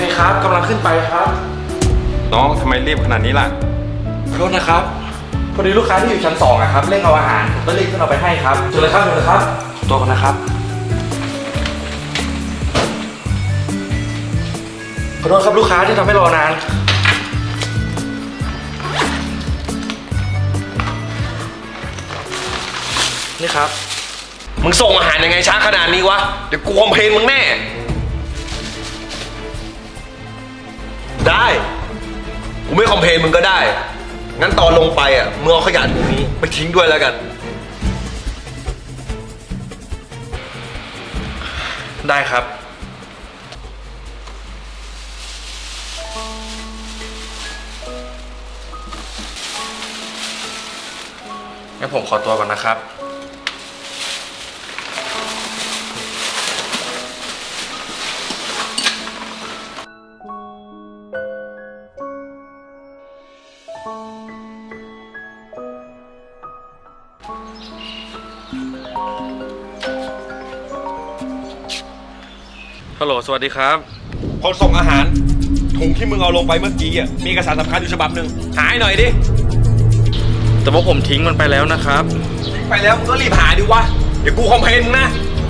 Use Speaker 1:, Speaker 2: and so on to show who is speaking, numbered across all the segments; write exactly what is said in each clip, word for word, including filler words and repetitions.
Speaker 1: ครับกำลังขึ้นไปครับ
Speaker 2: น้องทำไมรีบขนาดนี้ล่ะ
Speaker 1: ขอโทษนะครับพอดีลูกค้าที่อยู่ชั้นสองอะครับเร่งเอาอาหารผมก็รีบขึ้นเอาไปให้ครับเชิญเลยครับเชิญเลยครับขอตัวก่อนนะครับขอโทษครับลูกค้าที่ทำให้รอนานนี่ครับ
Speaker 3: มึงส่งอาหารยังไงช้าขนาดนี้วะเดี๋ยวกูคอมเพลนมึงแน่ได้กูไม่คอมเพลนมึงก็ได้งั้นตอนลงไปอ่ะมึงเอาขยะถุงนี้ไปทิ้งด้วยแล้วกัน
Speaker 1: ได้ครับงั้นผมขอตัวก่อนนะครับฮัลโหลสวัสดีครับ
Speaker 3: คนส่งอาหารถุงที่มึงเอาลงไปเมื่อกี้อ่ะมีเอกสารสำคัญอยู่ฉบับหนึ่งหาให้หน่อยดิ
Speaker 1: แต่ว่าผมทิ้งมันไปแล้วนะครับ
Speaker 3: ทิ้งไปแล้วมึงก็รีบหาดิวะเดี๋ยวกูคอมเพลนมึงนะ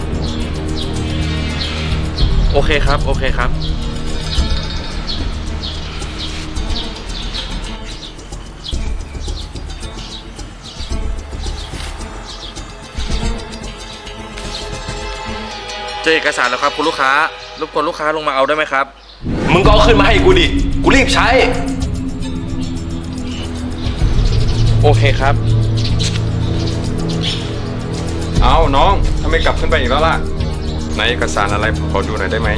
Speaker 1: โอเคครับโอเคครับเจอเอกสารแล้วครับคุณลูกค้ารบกวนลูกค้าลงมาเอาได้ไหมครับ
Speaker 3: มึงก็เอาขึ้นมาให้กูดิกูรีบใช้
Speaker 1: โอเคครับ
Speaker 2: เอาน้องทำไมกลับขึ้นไปอีกแล้วล่ะในเอกสารอะไรผมขอดูหน่อยได้ไหม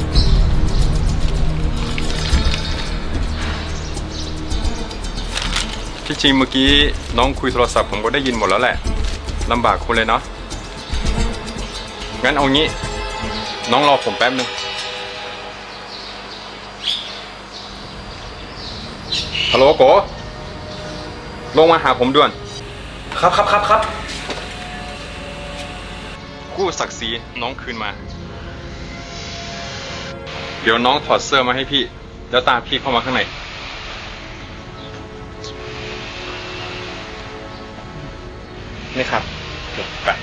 Speaker 2: ที่จริงเมื่อกี้น้องคุยโทรศัพท์ผมก็ได้ยินหมดแล้วแหละลำบากคุณเลยเนาะงั้นเอางี้น้องรอผมแป๊บนึงฮัลโหลโกลงมาหาผมด่วน
Speaker 1: ครับครับครับครับ
Speaker 2: กู้ศักดิ์ศรีน้องคืนมาเดี๋ยวน้องถอดเสื้อมาให้พี่แล้วตามพี่เข้ามาข้างใน
Speaker 1: นี่ครับจบกัน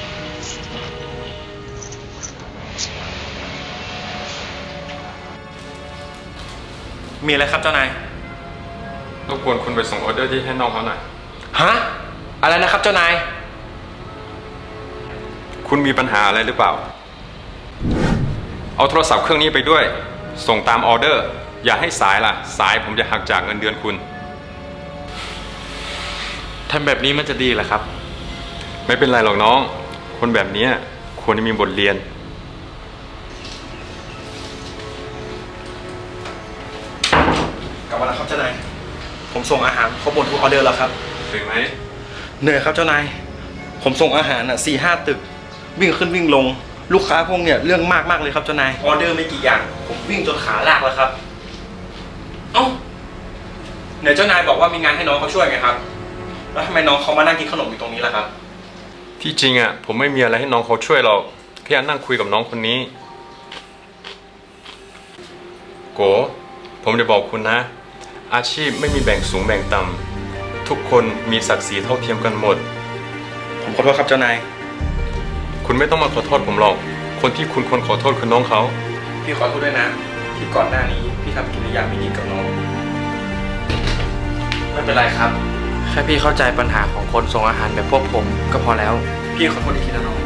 Speaker 1: มีอะไรครับเจ้านาย
Speaker 2: รบกวนคุณไปส่งออเดอร์ที่ให้น้องเขาหน่อย
Speaker 1: ฮะอะไรนะครับเจ้านาย
Speaker 2: คุณมีปัญหาอะไรหรือเปล่าเอาโทรศัพท์เครื่องนี้ไปด้วยส่งตามออเดอร์อย่าให้สายล่ะสายผมจะหักจากเงินเดือนคุณ
Speaker 1: ทำแบบนี้มันจะดีเหรอครับ
Speaker 2: ไม่เป็นไรหรอกน้องคนแบบนี้ควรจะมีบทเรียน
Speaker 1: กลับมาแล้วครับเจ้านายผมส่งอาหารครบหมดทุกออเดอร์แล้วครับ
Speaker 2: เหนื่อยไหม
Speaker 1: เหนื่อยครับเจ้านายผมส่งอาหารอ่ะสี่ห้าตึกวิ่งขึ้นวิ่งลงลูกค้าพวกเนี่ยเรื่องมากมากเลยครับเจ้านายออเดอร์ไม่กี่อย่างผมวิ่งจนขาลากแล้วครับเอ้าไหนเจ้านายบอกว่ามีงานให้น้องเขาช่วยไงครับแล้วทำไมน้องเขามานั่งกินขนมอยู่ตรงนี้ล่ะครับ
Speaker 2: ที่จริงอ่ะผมไม่มีอะไรให้น้องเขาช่วยหรอกแค่นั่งคุยกับน้องคนนี้โกผมจะบอกคุณนะอาชีพไม่มีแบ่งสูงแบ่งต่ำทุกคนมีศักดิ์ศรีเท่าเทียมกันหมด
Speaker 1: ผมขอโทษครับเจ้านาย
Speaker 2: คุณไม่ต้องมาขอโทษผมหรอกคนที่คุณควรขอโทษคือน้องเขา
Speaker 1: พี่ขอโทษด้วยนะที่ก่อนหน้านี้พี่ทำกิริยาไม่ดีกับน้องไม่เป็นไรครับแค่พี่เข้าใจปัญหาของคนส่งอาหารแบบพวกผมก็พอแล้วพี่ขอโทษอีกทีนะน้อง